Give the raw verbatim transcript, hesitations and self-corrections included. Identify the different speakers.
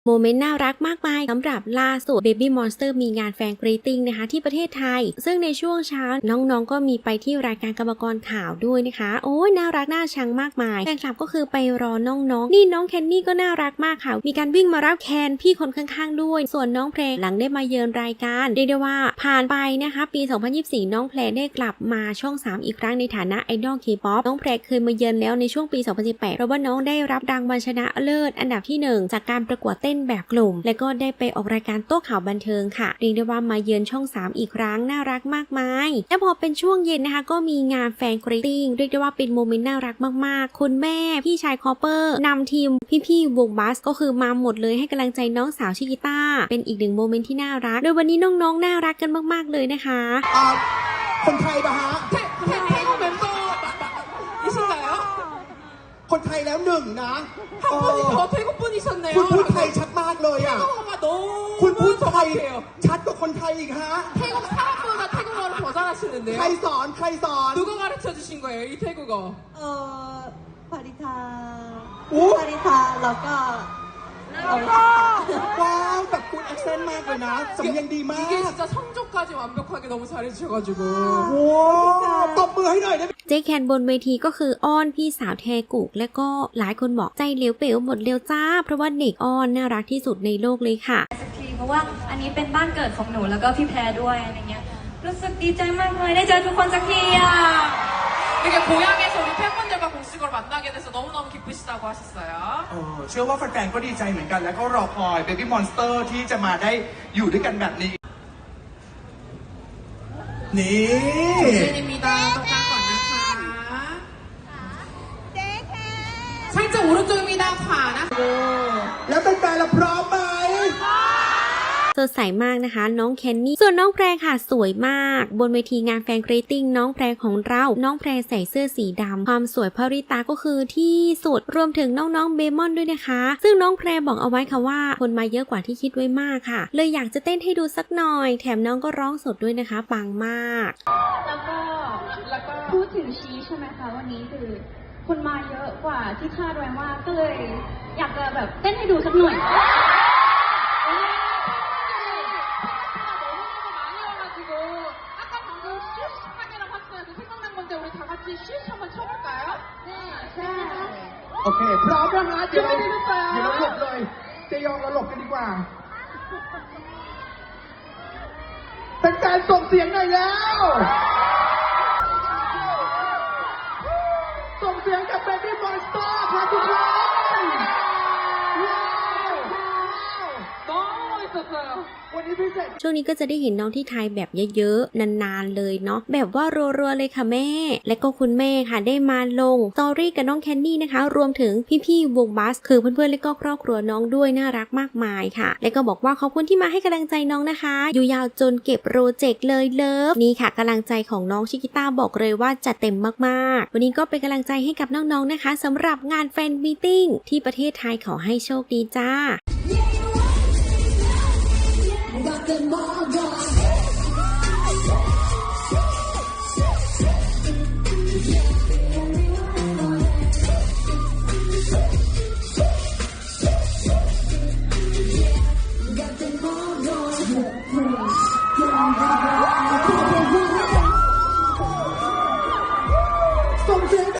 Speaker 1: โมเมนต์น่ารักมากมายสำหรับล่าสุด Baby Monster มีงานแฟนกรีตติ้งนะคะที่ประเทศไทยซึ่งในช่วงเช้าน้องๆก็มีไปที่รายการกรรมกรข่าวด้วยนะคะโอ้ยน่ารักน่าชังมากมายแฟนคลับก็คือไปรอน้องๆนี่น้องแคนนี่ก็น่ารักมากค่ะมีการวิ่งมารับแคนพี่คนข้างๆด้วยส่วนน้องเพลงหลังได้มาเยือนรายการเรียกได้ว่าผ่านไปนะคะปีสองพันยี่สิบสี่น้องเพลงได้กลับมาช่องสามอีกครั้งในฐานะไอดอล K-pop น้องเพลงเคยมาเยือนแล้วในช่วงปีสองพันสิบแปดเพราะว่าน้องได้รับรางวัลชนะเลิศอันดับที่หนึ่งจากการประกวดเต้นแบบกลุ่มและก็ได้ไปออกรายการโต้ข่าวบันเทิงค่ะเรียกได้ว่ามาเยือนช่องสามอีกครั้งน่ารักมากมายและพอเป็นช่วงเย็นนะคะก็มีงานแฟนกรีตติ้งเรียกได้ว่าเป็นโมเมนต์น่ารักมากๆคุณแม่พี่ชายคอปเปอร์นำทีมพี่ๆวงบัสก็คือมาหมดเลยให้กำลังใจน้องสาวชิกิต้าเป็นอีกหนึ่งโมเมนต์ที่น่ารักโดยวันนี้น้องๆน่ารักกันมากๆเลยนะคะ
Speaker 2: คนไทยปะฮะคนไทยแล้วหนึ่งนะคุณพูดไทยชัดมากเลยอ่ะคุณพูดไทยชัดกว่าคนไทยอีกฮะใครสอนใครสอน
Speaker 3: เออปาริธาปาริธาแล้วก็
Speaker 2: ว้าวแบบคุณ accent มากเลยนะสำเนียงดีมากว้าวตบมือให้หน่อยได้ไหม
Speaker 1: เจ๊แคนบนเวทีก็คืออ้อนพี่สาวแทกุกและก็หลายคนบอกใจเหลวเป๋วหมดเร็วจ้าเพราะว่าเด็กอ้อนน่ารักที่สุดในโลกเลยค่ะ
Speaker 4: สักทีเพราะว่าอันนี้เป็นบ้านเกิดของหนูแล้วก็พี่แพรด้วยอะไรเงี้ยรู้สึกดีใจมากเลยได้เจอทุกคนสักทีอ่ะ
Speaker 2: เออเชื่อว่าแฟนๆก็ดีใจเหมือนกันแล้วก็รอคอย Baby Monster ที่จะมาได้อยู่ด้วยกันแบบนี้นี่แล้วเป็นแฟนเราพร้อมไหม
Speaker 1: สดใสมากนะคะน้องแคนนี่ส่วนน้องแพรค่ะสวยมากบนเวทีงานแฟนกรีตติ้งน้องแพรของเราน้องแพรใส่เสื้อสีดำความสวยพริตาก็คือที่สุดรวมถึงน้องๆเบมอนด้วยนะคะซึ่งน้องแพรบอกเอาไว้ค่ะว่าคนมาเยอะกว่าที่คิดไว้มากค่ะเลยอยากจะเต้นให้ดูสักหน่อยแถมน้องก็ร้องสดด้วยนะคะปังมาก
Speaker 4: แล้วก็แล้วก็พูดถึงชีใช่ไหมคะวันนี้คือคนมาเยอะกว่าที่คาดไว้มากก็เลยอยากจะแบบเต้นให้ดูสักหน่อย
Speaker 2: โอเคพร้อมแล้วนะเดี๋ยวเดี๋ยวเราหลบเลยเจยองเราหลบกันดีกว่าเป็นการส่งเสียงหน่อยแล้วส่งเสียงกับ Baby Monster ค่ะทุกคน
Speaker 1: ช่วงนี้ก็จะได้เห็นน้องที่ไทยแบบเยอะๆนานๆเลยเนาะแบบว่ารัวๆเลยค่ะแม่และก็คุณแม่ค่ะได้มาลงสตอรี่กับน้องแคนนี่นะคะรวมถึงพี่ๆวงบัสคือเพื่อนๆและก็ครอบครัวน้องด้วยน่ารักมากมายค่ะและก็บอกว่าขอบคุณที่มาให้กำลังใจน้องนะคะอยู่ยาวจนเก็บโปรเจกต์เลยเลิฟนี่ค่ะกำลังใจของน้องชิกิต้าบอกเลยว่าจัดเต็มมากๆวันนี้ก็เป็นกำลังใจให้กับน้องๆนะคะสำหรับงานแฟนมีตติ้งที่ประเทศไทยขอให้โชคดีจ้า
Speaker 5: Got them all gone.